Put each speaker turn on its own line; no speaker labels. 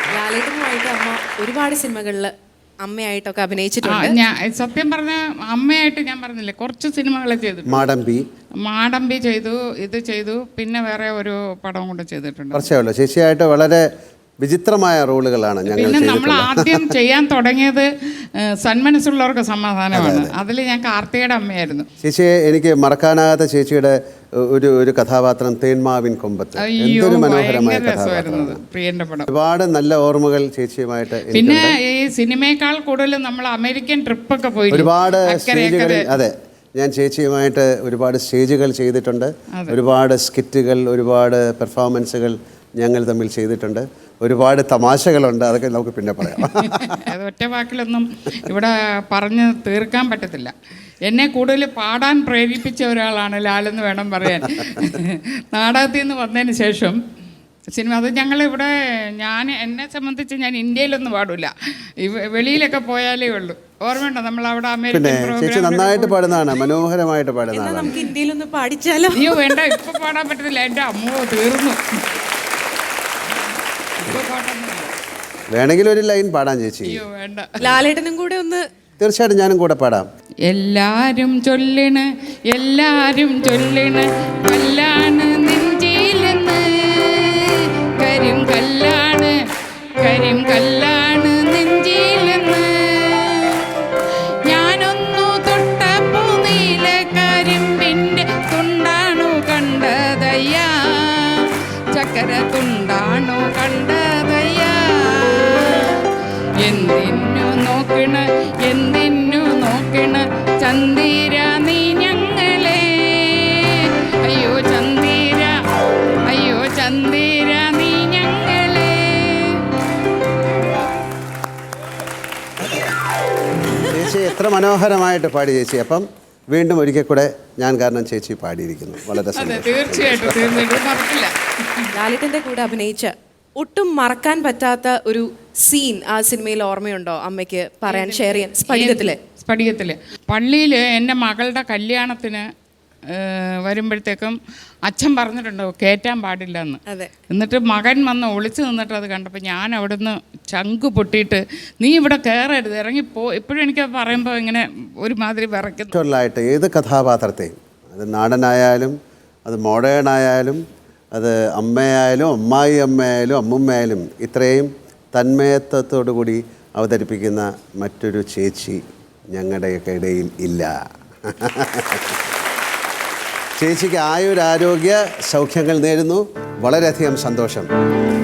ലാലേട്ടനുമായിട്ട് അമ്മ ഒരുപാട് സിനിമകളിൽ അമ്മയായിട്ടൊക്കെ അഭിനയിച്ചിട്ടുണ്ട്.
ഞാൻ സത്യം പറഞ്ഞ അമ്മയായിട്ട് ഞാൻ പറഞ്ഞില്ലേ കുറച്ച് സിനിമകളെ ചെയ്തിട്ടുണ്ട്. മാടമ്പി ചെയ്തു, ഇത് ചെയ്തു, പിന്നെ വേറെ ഒരു പടം കൂടെ ചെയ്തിട്ടുണ്ട്.
ചേച്ചിയായിട്ട് വളരെ വിചിത്രമായ റോളുകളാണ് ഞങ്ങൾ.
പിന്നെ നമ്മൾ ആദ്യം ചെയ്യാൻ തുടങ്ങിയത് സന്മനസ്സുള്ളവർക്ക് സമാധാനമാണ്. അതിൽ ഞാൻ കാർത്തികയുടെ അമ്മയായിരുന്നു.
ചേച്ചിയെ എനിക്ക് മറക്കാനാകാത്ത ചേച്ചിയുടെ ഒരു കഥാപാത്രം തേന്മാവിൻ കൊമ്പത്ത്. എന്തൊരു മനോഹരമായ കഥാപാത്രമാണ്.
പ്രിയന്റെ പടം.
ഒരുപാട് നല്ല ഓർമ്മകൾ ചേച്ചിയുമായിട്ട്.
പിന്നെ ഈ സിനിമയേക്കാൾ കൂടുതൽ നമ്മൾ അമേരിക്കൻ ട്രിപ്പൊക്കെ പോയി
ഒരുപാട് സ്റ്റേജുകളിൽ. അതെ, ഞാൻ ചേച്ചിയുമായിട്ട് ഒരുപാട് സ്റ്റേജുകൾ ചെയ്തിട്ടുണ്ട്. ഒരുപാട് സ്കിറ്റുകൾ, ഒരുപാട് പെർഫോമൻസുകൾ ഞങ്ങൾ തമ്മിൽ ചെയ്തിട്ടുണ്ട്. ഒരുപാട് തമാശകളുണ്ട്. അതൊക്കെ നമുക്ക് പിന്നെ പറയാം.
അത് ഒറ്റ വാക്കിലൊന്നും ഇവിടെ പറഞ്ഞ് തീർക്കാൻ പറ്റത്തില്ല. എന്നെ കൂടുതൽ പാടാൻ പ്രേരിപ്പിച്ച ഒരാളാണ് ലാലെന്ന് വേണം പറയാൻ. നാടകത്തിൽ നിന്ന് വന്നതിന് ശേഷം സിനിമ അത് ഞങ്ങളിവിടെ എന്നെ സംബന്ധിച്ച് ഞാൻ ഇന്ത്യയിലൊന്നും പാടില്ല, വെളിയിലൊക്കെ പോയാലേ ഉള്ളൂ. ഓർമ്മയുണ്ടോ നമ്മൾ അവിടെ അമേരിക്കൻ
പ്രോഗ്രാം നന്നായിട്ട് പാടുന്നതാണ്, മനോഹരമായിട്ട് പാടുന്നതാണ്.
നമുക്ക് ഇന്ത്യയിലൊന്ന് പാടിച്ചാലോ?
അയ്യോ വേണ്ട, ഇപ്പൊ പാടാൻ പറ്റത്തില്ല, എൻ്റെ അമ്മോ തീർന്നു.
വേണമെങ്കിൽ ഒരു ലൈൻ പാടാൻ ചേച്ചി.
അയ്യോ വേണ്ട,
ലാലേട്ടനും കൂടെ ഒന്ന്.
തീർച്ചയായിട്ടും ഞാനും കൂടെ പാടാം.
എല്ലാരും ചൊല്ലണ്, എല്ലാരും ചൊല്ലണ്, കല്ലാണ് നെഞ്ചിലെന്ന്, കരിം കല്ലാണ്, കരിം കല്ലാണ് നെഞ്ചിലെന്ന്. ഞാനൊന്നു തൊട്ടപ്പോ നീല കരിമ്പിന്റെ തുണ്ടാണു കണ്ടതയ്യാ, ചക്കര തുണ്ടാണു കണ്ടതയ്യാ. എന്തിനു നോക്കണ, എന്തിനു നോക്കണ ചന്ദിര നീ ഞങ്ങളെ, അയ്യോ ചന്ദിര, അയ്യോ ചന്ദിര നീ ഞങ്ങളെ.
ചേച്ചി എത്ര മനോഹരമായിട്ട് പാടി ചേച്ചി. അപ്പം വീണ്ടും ഒരിക്കൽ കൂടെ ഞാൻ കാരണം ചേച്ചി പാടിയിരിക്കുന്നു. വളരെ
തീർച്ചയായിട്ടും മറക്കില്ല.
ലാലേട്ടൻ്റെ കൂടെ അഭിനയിച്ച ഒട്ടും മറക്കാൻ പറ്റാത്ത ഒരു സീൻ ആ സിനിമയിൽ ഓർമ്മയുണ്ടോ അമ്മയ്ക്ക് പറയാൻ, ഷെയർ ചെയ്യാൻ?
സ്ഫടികത്തില് പള്ളിയിൽ എൻ്റെ മകളുടെ കല്യാണത്തിന് വരുമ്പോഴത്തേക്കും അച്ഛൻ പറഞ്ഞിട്ടുണ്ടോ കയറ്റാൻ പാടില്ല എന്ന്. എന്നിട്ട് മകൻ വന്ന് ഒളിച്ചു നിന്നിട്ട് അത് കണ്ടപ്പോൾ ഞാൻ അവിടുന്ന് ചങ്ക് പൊട്ടിയിട്ട് നീ ഇവിടെ കയറരുത്, ഇറങ്ങിപ്പോ. ഇപ്പോഴും എനിക്ക് പറയുമ്പോൾ ഇങ്ങനെ ഒരുമാതിരി വിറയ്ക്കുന്നു.
ഏത് കഥാപാത്രത്തെയും, അത് നാടനായാലും അത് മോഡേൺ ആയാലും അത് അമ്മയായാലും അമ്മായി അമ്മയായാലും അമ്മുമ്മയായാലും ഇത്രയും തന്മയത്വത്തോടു കൂടി അവതരിപ്പിക്കുന്ന മറ്റൊരു ചേച്ചി ഞങ്ങളുടെയൊക്കെ ഇടയിൽ ഇല്ല. ചേച്ചിക്ക് ആയുരാരോഗ്യ സൗഖ്യങ്ങൾ നേരുന്നു. വളരെയധികം സന്തോഷം.